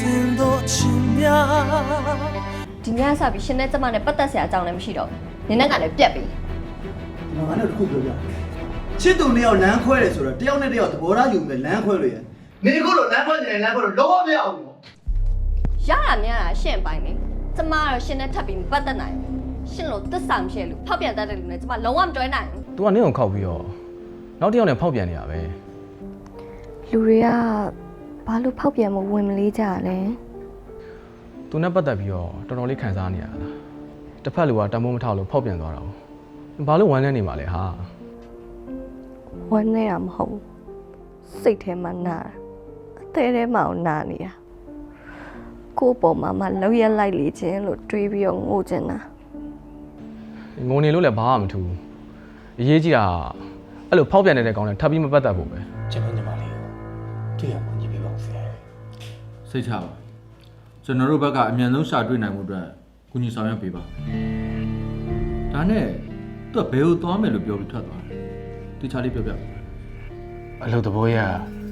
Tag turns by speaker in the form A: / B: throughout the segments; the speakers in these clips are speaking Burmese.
A: 心多奇妙。
B: 今天啥比现在这么的不得啥长得မရှိတော့你那个လည်းပြက်ပြီ
C: ငါနဲ့တခုပြောပြချစ်သူနှစ်ယောက်လမ်းခွဲတယ်ဆိုတော့တယောက်နဲ့တယောက်သဘောထားယူမယ်လမ်းခွဲလို့ရနေခုလိုလမ်းခွဲနေတယ်လမ်းခွဲလို့လုံးဝမရအောင်နော်
B: ရတာများတာရှင့်ပိုင်းလေကျမတော့ရှင်နဲ့ထပ်ပြီးမပတ်သက်နိုင်ဘူးရှင်လို့သစ္စာမရှိလို့ဖောက်ပြန်တတ်တဲ့လူနဲ့ကျမလုံးဝမတွဲနိုင်ဘူး
D: तू ကနင့်ကိုခောက်ပြီးတော့နောက်တစ်ယောက်နဲ့ဖောက်ပြန်နေရပဲ
E: လူတွေကဘာလို့ဖောက်ပြန်မဝင်မလေးကြလဲ
D: तू နဲ့ပတ်သက်ပြီးတော့တော်တော်လေးခံစားနေရတာတစ်ဖက်လူကတမိုးမထောက်လို့ဖောက်ပြန်သွားတာဘာလို့ဝမ်းနေနေမှာလဲဟာ
E: ဝမ်းနေတာမဟုတ်ဘူးစိတ်ထဲမှာနာတာအသေးထဲမှာနာနေတာကိုယ့်ပေါ်မှာမှလောက်ရက်လိုက်လေခြင်းလို့တွေးပြီးတော့ငိုချင်တာ
D: ငုံနေလို့လည်းဘာမှမထူးအရေးကြီးတာအဲ့လိုဖောက်ပြန်နေတဲ့ကောင်နဲ့ထပ်ပြီးမပတ်သက်ဖို့ပဲ
F: ကျွန်တော်ညီမလေးကိုတွေ့ရမှညီပေးပါဦးဆရာ
G: စိတ်ချပါကျွန်တော်တို့ဘက်ကအမြန်ဆုံးရှာတွေ့နိုင်မှုအတွက်ကုညီဆောင်ရွက်ပေးပါဒါနဲ့သူကဘယ်ကိုသွားမယ်လို့ပြောပြီးထွက်သွားတယ်တိချာလေးပြောပြ
F: အလုပ်သဘောရ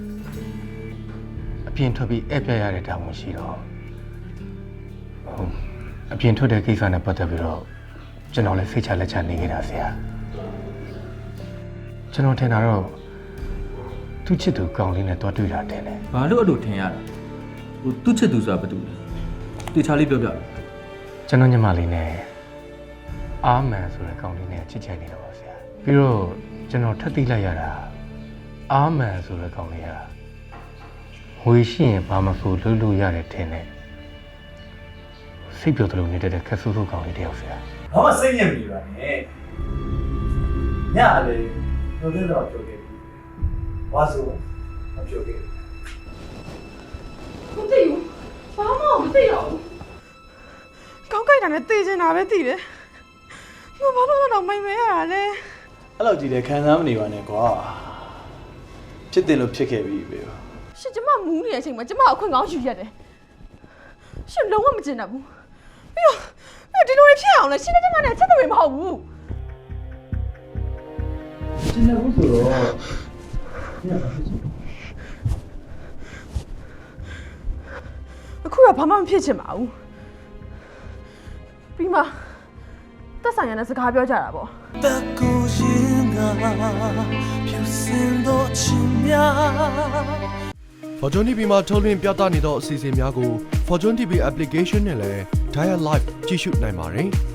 F: အပြင်ထွက်ပြီးဧည့်ပြရတဲ့တာဝန်ရှိတော့အပြင်ထွက်တဲ့ကိစ္စနဲ့ပတ်သက်ပြီးတော့ကျွန်တော်လည်းစိတ်ချလက်ချနေခဲ့တာဆရာကျွန်တော်ထင်တာတော့သူ့ချစ်သူကောင်းလေးနဲ့တွားတွေ့တာတင်တယ်
G: ဘာလို့အဲ့လိုထင်ရတာဟိုသူ့ချစ်သူဆိုတာဘာတူလဲတိချာလေးပြောပြ
F: ကျွန်တော်ညီမလေးနဲ့အာမန်ဆိုတဲ့ကောင်းလေးနဲ့ချစ်ချင်နေတော့ပါဆရာပြီးတော့ကျွန်တော်ထပ်သိလိုက်ရတာအာမန်ဆိုတဲ့ကောင်းလေးကဝေရှိရင်ဘာမှမဆိုလုပ်လို့ရတယ်ထင်တယ်စိတ်ပြောတယ်လို့နေတဲ့ခက်ဆူဆူကောင်းလေးတယောက်ဆရာ
C: ဘာမှစိတ်ညစ်မနေပါနဲ့ညလေပြောတဲ့တော့ပြောခဲ့ပြီဝါဆိုမပြောခဲ့ဘူး
H: မသိဘူးဘာမှမသိတော့ဘူးကောင်းကြိုက်တာနဲ့သိချင်တာပဲသိတယ်ငါဘာလို့တော့မိန်မဲရတာလဲ
C: အဲ့လိုကြည့်တယ်ခံစားမနေပါနဲ့ကွာဖြစ်တယ်လို့ဖြစ်ခဲ့ပြီပဲ
H: ရှင်ကျမမူးနေတဲ့အချိန်မှာကျမအခွင့်ကောင်းယူရတယ်ရှင်လုံးဝမကျင်တတ်ဘူးပြီးတော့ဒီလိုတွေဖြစ်အောင်လဲရှင်နဲ့ကျမနဲ့အချက်တွေမဟုတ်ဘူး
C: ကျင်းနေဘူးဆိုတော့ညပါဖြစ်ချင်
H: အခုတော့ဘာမှမဖြစ်ချင်ပါဘူးပြီးမှသက်ဆိုင်ရတဲ့စကားပြောကြတာပေါ့
A: 的孤影啊，飘心多奇妙。
I: Fortune TV မှာထုတ်လွှင့်ပြသနေသောအစီအစဉ်များကို Fortune TV application နဲ့လည်း Dial Live ကြည့်ရှုနိုင်ပါတယ်။